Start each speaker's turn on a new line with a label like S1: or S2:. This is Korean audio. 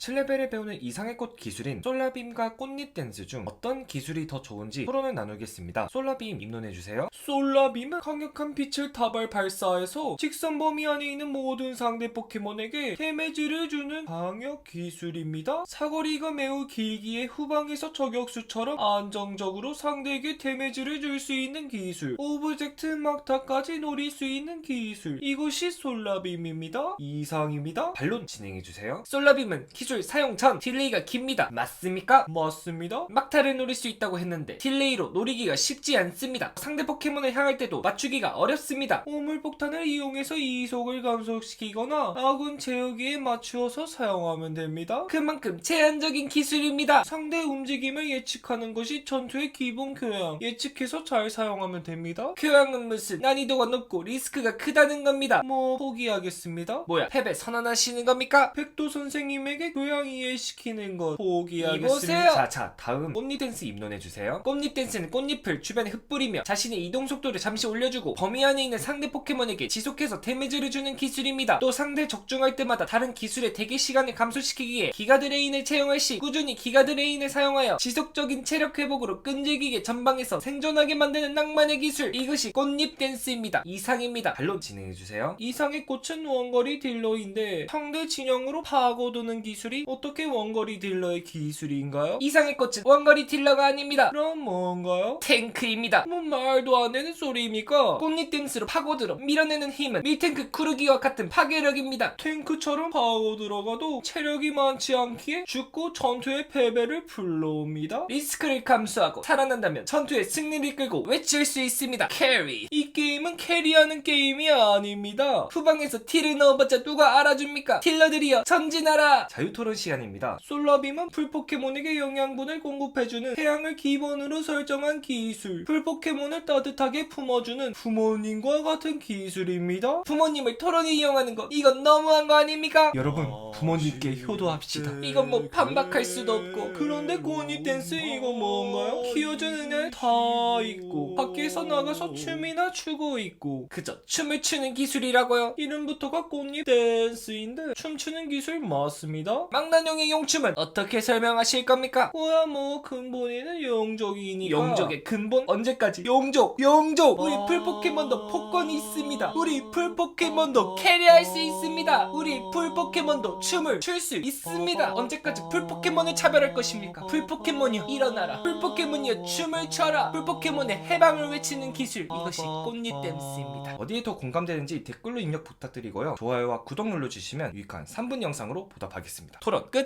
S1: 7레벨에 배우는 이상의 꽃 기술인 솔라빔과 꽃잎 댄스 중 어떤 기술이 더 좋은지 토론을 나누겠습니다. 솔라빔 입론해주세요. 솔라빔은 강력한 빛을 다발 발사해서 직선 범위 안에 있는 모든 상대 포켓몬에게 데미지를 주는 방역 기술입니다. 사거리가 매우 길기에 후방에서 저격수처럼 안정적으로 상대에게 데미지를 줄 수 있는 기술, 오브젝트 막타까지 노릴 수 있는 기술, 이것이 솔라빔입니다. 이상입니다. 반론 진행해주세요. 솔라빔은 기술 사용 전 딜레이가 깁니다. 맞습니까? 맞습니다. 막타를 노릴 수 있다고 했는데 딜레이로 노리기가 쉽지 않습니다. 상대 포켓몬을 향할 때도 맞추기가 어렵습니다. 오물폭탄을 이용해서 이속을 감소시키거나 아군 제어기에 맞추어서 사용하면 됩니다. 그만큼 제한적인 기술입니다. 상대 움직임을 예측하는 것이 전투의 기본 교양. 예측해서 잘 사용하면 됩니다. 교양은 무슨 난이도가 높고 리스크가 크다는 겁니다. 포기하겠습니다. 뭐야, 패배 선언하시는 겁니까? 백도 선생님에게 교양 이해시키는 것 포기하겠습니다. 이보세요. 자, 다음 꽃잎 댄스 입론해주세요. 꽃잎 댄스는 꽃잎을 주변에 흩뿌리며 자신의 이동 속도를 잠시 올려주고 범위 안에 있는 상대 포켓몬에게 지속해서 데미지를 주는 기술입니다. 또 상대 적중할 때마다 다른 기술의 대기 시간을 감소시키기에 기가드레인을 채용할 시 꾸준히 기가드레인을 사용하여 지속적인 체력 회복으로 끈질기게 전방에서 생존하게 만드는 낭만의 기술, 이것이 꽃잎 댄스입니다. 이상입니다. 반론 진행해주세요. 이상의 꽃은 원거리 딜러인데 상대 진영으로 파고드는 기술이 어떻게 원거리 딜러의 기술인가요? 이상의 꽃은 원거리 딜러가 아닙니다. 그럼 뭔가요? 탱크입니다. 말도 안 되는 소리입니까? 꽃잎 댄스로 파고들어 밀어내는 힘은 밀탱크 쿠르기와 같은 파괴력입니다. 탱크처럼 파고들어가도 체력이 많지 않기에 죽고 전투의 패배를 불러옵니다. 리스크를 감수하고 살아난다면 전투의 승리를 이끌고 외칠 수 있습니다. 캐리. 이 게임은 캐리하는 게임이 아닙니다. 후방에서 딜을 넣어봤자 누가 알아줍니까? 딜러들이여 전진하라. 자유토론 시간입니다. 솔라빔은 풀포켓몬에게 영양분을 공급해주는 태양을 기본으로 설정한 기술, 풀포켓몬을 따뜻하게 품어주는 부모님과 같은 기술입니다. 부모님을 토론에 이용하는 거, 이건 너무한 거 아닙니까? 여러분, 부모님께 효도합시다. 이건 뭐 반박할 수도 없고. 그런데 꽃잎 댄스 이거 뭔가요? 키워주는 애 다 있고 밖에서 나가서 춤이나 추고 있고 그저 춤을 추는 기술이라고요? 이름부터가 꽃잎 댄스인데 춤추는 기술 맞습니다. 망나뇽의 용춤은 어떻게 설명하실 겁니까? 뭐야, 근본에는 용족이니까. 용족의 근본? 언제까지? 용족! 우리 풀포켓몬도 폭권이 있습니다. 우리 풀포켓몬도 캐리할 수 있습니다. 우리 풀포켓몬도 춤을 출 수 있습니다. 언제까지 풀포켓몬을 차별할 것입니까? 풀포켓몬이여 일어나라. 풀포켓몬이여 춤을 춰라. 풀포켓몬의 해방을 외치는 기술, 이것이 꽃잎 댄스입니다. 어디에 더 공감되는지 댓글로 입력 부탁드리고요. 좋아요와 구독 눌러주시면 유익한 3분 영상으로 보답하겠습니다. 토론 끝!